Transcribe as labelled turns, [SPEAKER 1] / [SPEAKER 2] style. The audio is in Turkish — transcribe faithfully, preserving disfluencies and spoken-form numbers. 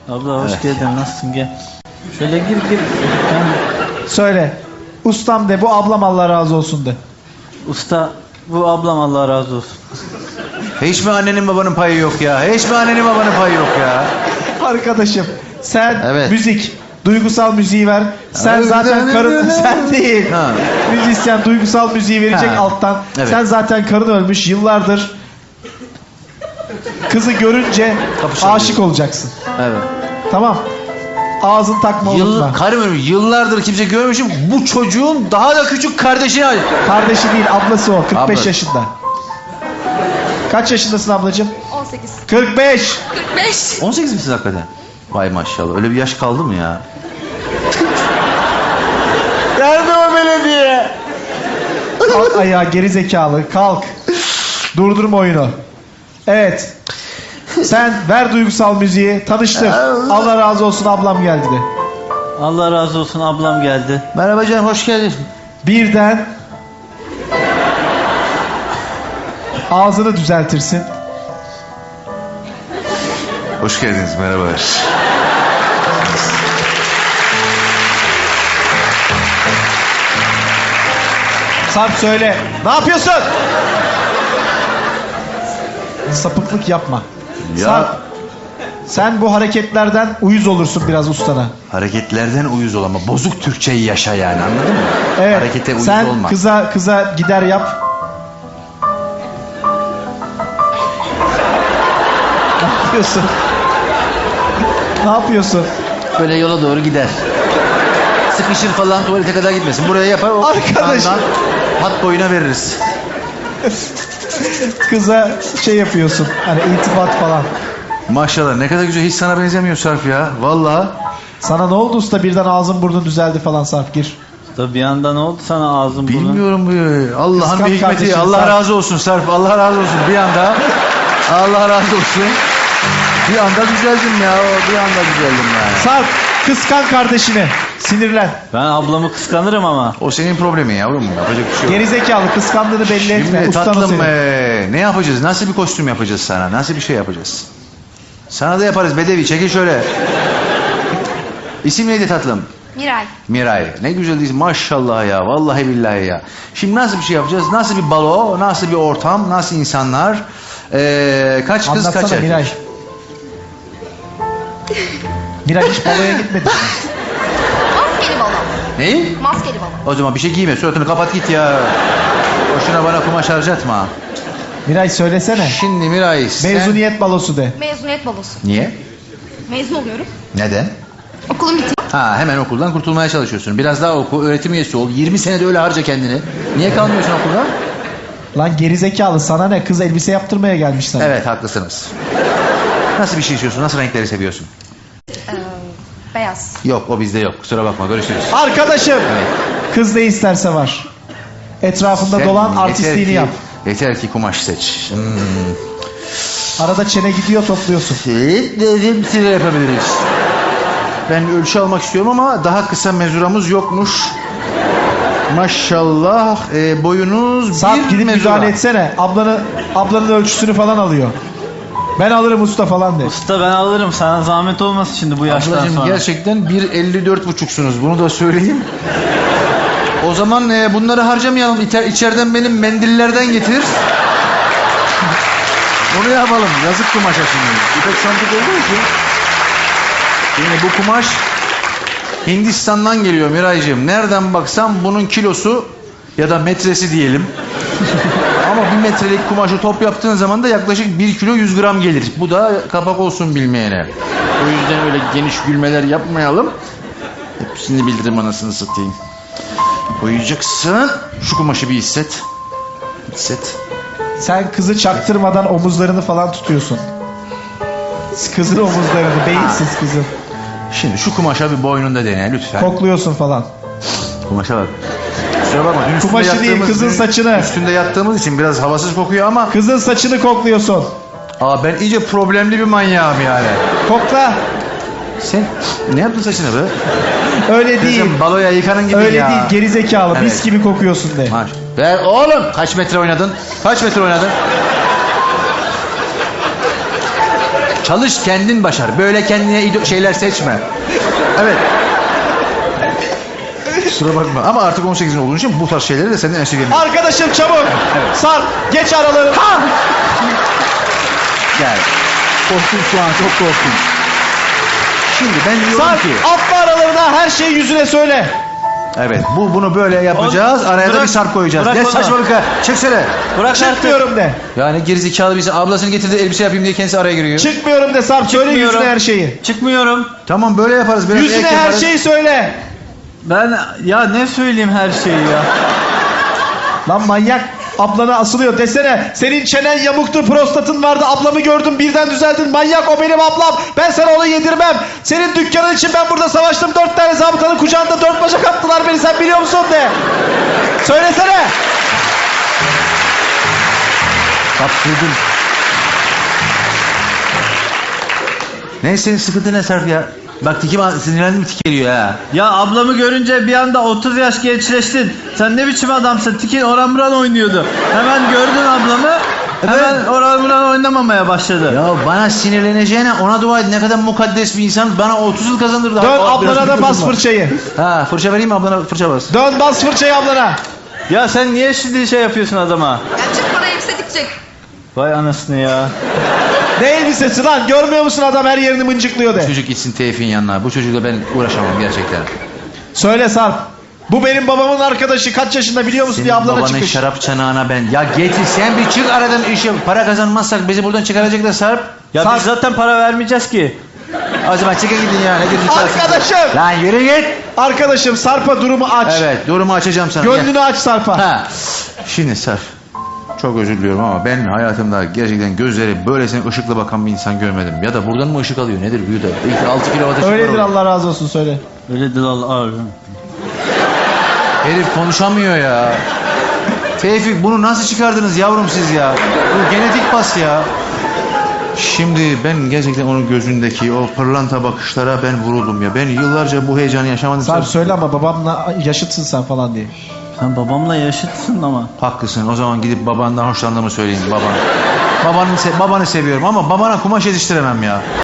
[SPEAKER 1] Abla hoş
[SPEAKER 2] Evet.
[SPEAKER 1] geldin, nasılsın, gel. Şöyle gir gir. Ben...
[SPEAKER 3] Söyle. Ustam de, bu ablam Allah razı olsun de.
[SPEAKER 1] Usta, bu ablam Allah razı olsun.
[SPEAKER 2] Hiç mi annenin babanın payı yok ya? Hiç mi annenin babanın payı yok ya?
[SPEAKER 3] Arkadaşım sen
[SPEAKER 2] Evet.
[SPEAKER 3] müzik, duygusal müziği ver. Sen
[SPEAKER 2] Evet.
[SPEAKER 3] zaten karın, sen değil.
[SPEAKER 2] Ha.
[SPEAKER 3] Müzisyen duygusal müziği verecek
[SPEAKER 2] Ha.
[SPEAKER 3] alttan.
[SPEAKER 2] Evet.
[SPEAKER 3] Sen zaten karın ölmüş yıllardır. Kızı görünce
[SPEAKER 2] Kapışalım.
[SPEAKER 3] aşık olacaksın.
[SPEAKER 2] Evet.
[SPEAKER 3] Tamam. Ağzın takma,
[SPEAKER 2] Yıl,
[SPEAKER 3] unutma.
[SPEAKER 2] karım ölmüş. Yıllardır kimse görmemişim. Bu çocuğun daha da küçük kardeşine ait.
[SPEAKER 3] Kardeşi değil, ablası o. kırk beş
[SPEAKER 2] Abla.
[SPEAKER 3] yaşında. Kaç yaşındasın ablacığım?
[SPEAKER 4] on sekiz.
[SPEAKER 3] kırk beş.
[SPEAKER 4] kırk beş.
[SPEAKER 2] on sekiz misiniz hakikaten? Vay maşallah. Öyle bir yaş kaldı mı ya?
[SPEAKER 3] Nerede o belediye? Kalk ayağa geri zekalı, kalk. Durdurma oyunu. Evet. Sen ver duygusal müziği, tanıştır. Allah razı olsun ablam geldi de.
[SPEAKER 1] Allah razı olsun, ablam geldi.
[SPEAKER 2] Merhaba canım, hoş geldin.
[SPEAKER 3] Birden ağzını düzeltirsin.
[SPEAKER 2] Hoş geldiniz, merhaba.
[SPEAKER 3] Sarp söyle. Ne yapıyorsun? Sapıklık yapma.
[SPEAKER 2] Ya.
[SPEAKER 3] Sarp, sen bu hareketlerden uyuz olursun biraz ustana.
[SPEAKER 2] Hareketlerden uyuz ol ama bozuk Türkçeyi yaşa yani, anladın mı?
[SPEAKER 3] Evet.
[SPEAKER 2] Harekete uyuz
[SPEAKER 3] sen
[SPEAKER 2] olma.
[SPEAKER 3] kıza kıza gider yap. Ne yapıyorsun? Ne yapıyorsun?
[SPEAKER 2] Böyle yola doğru gider. Sıkışır falan, tuvalete kadar gitmesin. Buraya yapar, o
[SPEAKER 3] Arkadaş.
[SPEAKER 2] yandan hat boyuna veririz.
[SPEAKER 3] Kıza şey yapıyorsun. Hani iltifat falan.
[SPEAKER 2] Maşallah, ne kadar güzel, hiç sana benzemiyor Sarp ya. Vallahi.
[SPEAKER 3] Sana ne oldu usta, birden ağzın burnun düzeldi falan Sarp, gir.
[SPEAKER 1] Usta bir anda ne oldu sana, ağzın burnun?
[SPEAKER 2] Bilmiyorum bu. Allah'ın
[SPEAKER 3] Kıskanç
[SPEAKER 2] bir hikmeti.
[SPEAKER 3] kardeşim,
[SPEAKER 2] Allah
[SPEAKER 3] Sarp.
[SPEAKER 2] razı olsun Sarp. Allah razı olsun. Bir anda Allah razı olsun. Bir anda düzeldim ya. Bir anda düzeldim yani.
[SPEAKER 3] Sarp, kıskan kardeşini. Sinirlen.
[SPEAKER 1] Ben ablamı kıskanırım ama.
[SPEAKER 2] O senin problemin yavrum. Yapacak bir şey yok.
[SPEAKER 3] Gerizekalı, kıskandığını belli etme.
[SPEAKER 2] Şimdi
[SPEAKER 3] Ustanı
[SPEAKER 2] tatlım
[SPEAKER 3] senin.
[SPEAKER 2] ee, ne yapacağız? Nasıl bir kostüm yapacağız sana? Nasıl bir şey yapacağız? Sana da yaparız Bedevi. Çekil şöyle. İsim neydi tatlım?
[SPEAKER 4] Miray.
[SPEAKER 2] Miray. Ne güzel isim. Maşallah ya. Vallahi billahi ya. Şimdi nasıl bir şey yapacağız? Nasıl bir balo? Nasıl bir ortam? Nasıl insanlar? Ee, kaç kız
[SPEAKER 3] Anlatsana
[SPEAKER 2] kaç erkek?
[SPEAKER 3] Miray. Miray hiç baloya gitmedi.
[SPEAKER 4] Maskeli balon.
[SPEAKER 2] Neyi?
[SPEAKER 4] Maskeli balon.
[SPEAKER 2] O zaman bir şey giyme. Suratını kapat git ya. Boşuna bana kumaş harcatma.
[SPEAKER 3] Miray söylesene.
[SPEAKER 2] Şimdi Miray sen...
[SPEAKER 3] Mezuniyet balosu de.
[SPEAKER 4] Mezuniyet balosu.
[SPEAKER 2] Niye?
[SPEAKER 4] Mezun oluyorum.
[SPEAKER 2] Neden?
[SPEAKER 4] Okulum bitiyor.
[SPEAKER 2] Ha, hemen okuldan kurtulmaya çalışıyorsun. Biraz daha oku, öğretim üyesi ol. yirmi senede öyle harca kendini. Niye kalmıyorsun okulda?
[SPEAKER 3] Lan gerizekalı, sana ne? Kız elbise yaptırmaya gelmiş sana.
[SPEAKER 2] Evet, haklısınız. Nasıl bir şey istiyorsun? Nasıl renkleri seviyorsun?
[SPEAKER 4] Ee, beyaz.
[SPEAKER 2] Yok, o bizde yok. Kusura bakma, görüşürüz.
[SPEAKER 3] Arkadaşım.
[SPEAKER 2] Evet.
[SPEAKER 3] Kız ne isterse var. Etrafında
[SPEAKER 2] Sen
[SPEAKER 3] dolan,
[SPEAKER 2] yeter
[SPEAKER 3] artistliğini
[SPEAKER 2] ki-
[SPEAKER 3] yap.
[SPEAKER 2] Yeter ki kumaş seç. Hmm.
[SPEAKER 3] Arada çene gidiyor, topluyorsun.
[SPEAKER 2] Evet, dedim size yapabiliriz. Ben ölçü almak istiyorum ama daha kısa mezuramız yokmuş. Maşallah e, boyunuz
[SPEAKER 3] Sarp,
[SPEAKER 2] bir
[SPEAKER 3] gidip
[SPEAKER 2] mezura.
[SPEAKER 3] müdahale etsene. Ablanı, ablanın ölçüsünü falan alıyor. Ben alırım usta falan de.
[SPEAKER 1] Usta ben alırım, sana zahmet olmasın şimdi bu yaştan
[SPEAKER 2] Ablacığım
[SPEAKER 1] sonra.
[SPEAKER 2] gerçekten bir elli dört buçuksunuz, bunu da söyleyeyim. O zaman e, bunları harcamayalım. İter, içeriden benim mendillerden getir. Onu yapalım. Yazık kumaşa şimdi. İpek sandık olduğu için. Şimdi bu kumaş Hindistan'dan geliyor Miraycığım. Nereden baksam bunun kilosu ya da metresi diyelim. Ama bir metrelik kumaşı top yaptığın zaman da yaklaşık bir kilo yüz gram gelir. Bu da kapak olsun bilmeyene. O yüzden öyle geniş gülmeler yapmayalım. Hepsini bildirim, anasını satayım. Boyayacaksın. Şu kumaşı bir hisset. Hisset.
[SPEAKER 3] Sen kızı çaktırmadan omuzlarını falan tutuyorsun. Kızın omuzlarını, beyinsiz kızın.
[SPEAKER 2] Şimdi şu kumaşa bir boynunda dene lütfen.
[SPEAKER 3] Kokluyorsun falan.
[SPEAKER 2] Kumaşa bak. Kusura bakma. Dün üstünde
[SPEAKER 3] Kumaşı değil,
[SPEAKER 2] yattığımız-
[SPEAKER 3] kızın
[SPEAKER 2] dün
[SPEAKER 3] saçını.
[SPEAKER 2] Üstünde yattığımız için biraz havasız kokuyor ama...
[SPEAKER 3] Kızın saçını kokluyorsun.
[SPEAKER 2] Aa, ben iyice problemli bir manyağım yani.
[SPEAKER 3] Kokla.
[SPEAKER 2] Sen ne yaptın saçına be?
[SPEAKER 3] Öyle değil.
[SPEAKER 2] Kızım baloya yıkanın gibi
[SPEAKER 3] Öyle
[SPEAKER 2] ya.
[SPEAKER 3] değil, gerizekalı.
[SPEAKER 2] Evet.
[SPEAKER 3] Mis gibi kokuyorsun de.
[SPEAKER 2] Maş. Ver oğlum. Kaç metre oynadın? Kaç metre oynadın? Çalış, kendin başar. Böyle kendine ido- şeyler seçme. Evet. Kusura bakma. Ama artık on sekizin olduğun için bu tarz şeyleri de senden esirgemiyorum.
[SPEAKER 3] Arkadaşım çabuk. Sarp geç aralarını.
[SPEAKER 2] Gel. Korktum şu an, çok korktum. Şimdi ben diyorum
[SPEAKER 3] Sarp
[SPEAKER 2] ki...
[SPEAKER 3] atma aralarına, her şeyi yüzüne söyle.
[SPEAKER 2] Evet, bu bunu böyle yapacağız.
[SPEAKER 1] O-
[SPEAKER 2] Araya da
[SPEAKER 1] bırak-
[SPEAKER 2] bir sarp koyacağız.
[SPEAKER 1] bırak
[SPEAKER 2] Ne
[SPEAKER 1] onu.
[SPEAKER 2] saçmalık ha. Çeksene.
[SPEAKER 1] Bırak artık.
[SPEAKER 3] Çıkmıyorum de.
[SPEAKER 2] Yani gerizekalı birisi ablasını getirdi elbise yapayım diye kendisi araya giriyor.
[SPEAKER 3] Çıkmıyorum de Sarp, söyle
[SPEAKER 1] Çıkmıyorum.
[SPEAKER 3] yüzüne her şeyi.
[SPEAKER 1] Çıkmıyorum.
[SPEAKER 2] Tamam böyle yaparız. Biraz
[SPEAKER 3] Yüzüne
[SPEAKER 2] ek
[SPEAKER 3] her
[SPEAKER 2] yaparız.
[SPEAKER 3] şeyi söyle.
[SPEAKER 1] Ben ya ne söyleyeyim her şeyi ya.
[SPEAKER 3] Lan manyak, ablana asılıyor desene. Senin çenen yamuktu, prostatın vardı, ablamı gördüm birden düzeldin. Manyak, o benim ablam, ben sana onu yedirmem. Senin dükkanın için ben burada savaştım. Dört tane zabıtanın kucağında dört bacak attılar beni, sen biliyor musun de. Söylesene.
[SPEAKER 2] Kaptırdın. Neyse senin sıkıntı ne Sarp ya? Bak tikim sinirlendim, tik geliyor ha.
[SPEAKER 1] Ya ablamı görünce bir anda otuz yaş gençleştin. Sen ne biçim adamsın? Tikin oran buran oynuyordu. Hemen gördün ablamı. Hemen oran buran oynamamaya başladı.
[SPEAKER 2] Ya bana sinirleneceğine ona dua et. Ne kadar mukaddes bir insan, bana otuz yıl kazandırdı.
[SPEAKER 3] Dön
[SPEAKER 2] Aa, biraz
[SPEAKER 3] ablana da
[SPEAKER 2] bir
[SPEAKER 3] bas
[SPEAKER 2] kızım var.
[SPEAKER 3] fırçayı.
[SPEAKER 2] Ha fırça vereyim mi ablana, fırça bas.
[SPEAKER 3] Dön bas fırçayı ablana.
[SPEAKER 1] Ya sen niye şimdi şey yapıyorsun adama?
[SPEAKER 4] Ya çık bana elbise dikecek.
[SPEAKER 1] Vay anasını ya.
[SPEAKER 3] Ne elbisesi lan, görmüyor musun adam her yerini mıncıklıyor de.
[SPEAKER 2] Çocuk gitsin Tevfik'in yanına. Bu çocukla ben uğraşamam gerçekten.
[SPEAKER 3] Söyle Sarp. Bu benim babamın arkadaşı, kaç yaşında biliyor musun
[SPEAKER 2] Senin
[SPEAKER 3] diye ablana
[SPEAKER 2] babanın
[SPEAKER 3] çıkmış.
[SPEAKER 2] şarap çanağına ben. Ya getir sen bir çık aradan işe. Para kazanmazsak bizi buradan çıkaracaklar Sarp.
[SPEAKER 1] Ya
[SPEAKER 3] Sarp-
[SPEAKER 1] biz zaten para vermeyeceğiz ki.
[SPEAKER 2] O zaman çıkın gidin ya. Ne gidin
[SPEAKER 3] Arkadaşım.
[SPEAKER 2] Lan yürü git.
[SPEAKER 3] Arkadaşım Sarp'a durumu aç.
[SPEAKER 2] Evet durumu açacağım sana. Gel.
[SPEAKER 3] Gönlünü aç Sarp'a.
[SPEAKER 2] Ha. Şimdi Sarp. Çok özür diliyorum ama ben hayatımda gerçekten gözleri böylesine ışıkla bakan bir insan görmedim. Ya da buradan mı ışık alıyor nedir büyü de. Belki altı kilo ateşi var
[SPEAKER 3] Öyledir,
[SPEAKER 2] orada.
[SPEAKER 3] Allah razı olsun, söyle.
[SPEAKER 1] Öyledir Allah abi.
[SPEAKER 2] Herif konuşamıyor ya. Tevfik bunu nasıl çıkardınız yavrum siz ya? Bu genetik pas ya. Şimdi ben gerçekten onun gözündeki o pırlanta bakışlara ben vuruldum ya. Ben yıllarca bu heyecanı yaşamadım.
[SPEAKER 3] Sarp söyle ama babamla yaşıtsın sen falan diye.
[SPEAKER 1] Sen babamla yaşıtsın ama.
[SPEAKER 2] Haklısın. O zaman gidip babandan hoşlandığımı söyleyeyim babana. Babanı, se- babanı seviyorum ama babana kumaş yetiştiremem ya.